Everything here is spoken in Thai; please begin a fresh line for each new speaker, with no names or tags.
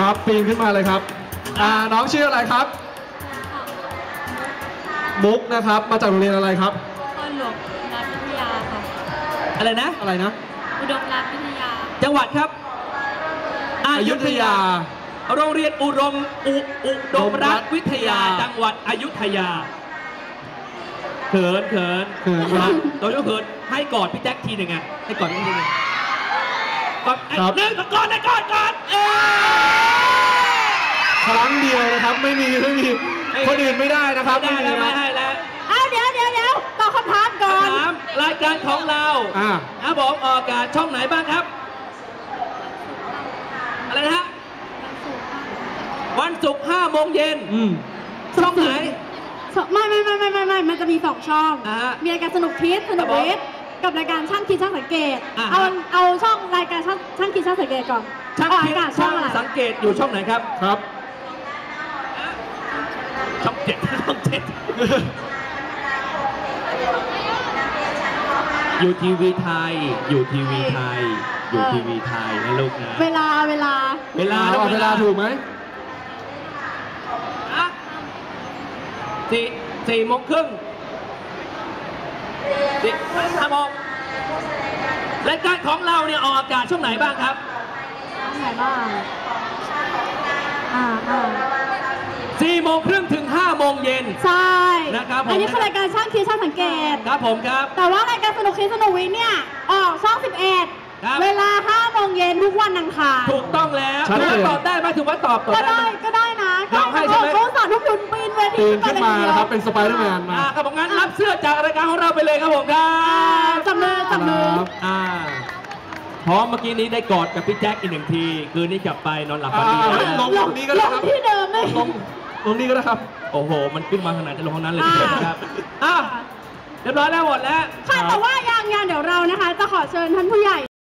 ครับปีนขึ้นมาเลยครับน้องชื่ออะไรครับมุกนะครับมาจากโรงเรียนอะไรครับ
อุดมรัฐวิทยาค่ะ
อะไรนะ
อุดมรัฐวิทยา
จังหวัดครับอยุธยาโรงเรียนอุดมรัฐวิทยาจังหวัดอยุธยาเขินครับโดยเฉพาะให้กอดพี่แจ็คทีหนึ่งให้กอดพี่ทีหนึ่งกอดหนึ่งกอด
ครั้งเดียวนะครับไม่มีคนอื่นไม่ได้นะครับ
ไม่ให้แล้ว
เดี๋ยวตอบคำถามก่อน
รายการของเราครับผมออกอากาศช่องไหนบ้างครับอะไรนะฮะวันศุกร์5 โมงเย็นช่องไหน
ไม่มันจะมี2 ช่องมีรายการสนุกคิดกับรายการช่างคิดช่างสังเกตเอาช่องรายการช่างคิดช่างสังเกตก่อน
ช่างคิดช่างสังเกตอยู่ช่องไหนครับช่อง 7อยู่ทีวีไทยนะลูกนะ
เวลา
ถูกไหม
4 โมงครึ่ง5 โมงรายการของเราเนี่ยออกอากาศช่วงไหนบ้างครับ
ช่วงไหนบ้าง
4 โมงครึ่งถึง5 โมงเย็น
ใช่
นะครับ
อันนี้คือรายการช่างคิดช่างสังเกต
ครับผมครับ
แต่ว่ารายการสนุกคิดสนุกวิทย์เนี่ยออกช่อง 11เวลา 5 โมงเย็นทุกวันอังคาร
ถูกต้องแล้วตอบได้ไหมถือว่าตอบ
ก็ได้นะเขาสอนทุกคนปีนเวที
ขึ้นมานะครับเป็นสไปเดอร์แมนมา
ครับผมงั้นรับเสื้อจากรายการของเราไปเลยครับผมครับ
จับมือ
พร้อมเมื่อกี้นี้ได้กอดกับพี่แจ็คอีก1 ทีคืนนี้กลับไปนอนหลับฝันดี
ลงนี้ก็ได้ครับ
ที่เดิมเลย
ลงนี้ก็ได้ครับ
โอ้โหมันขึ้นมาขนาดจะลงห้องนั้นเลยทีเดียวนะครับเรียบร้อยแล้วหมดแล้ว
ค่ะแต่ว่ายังเดี๋ยวเรานะคะจะขอเชิญท่านผู้ใหญ่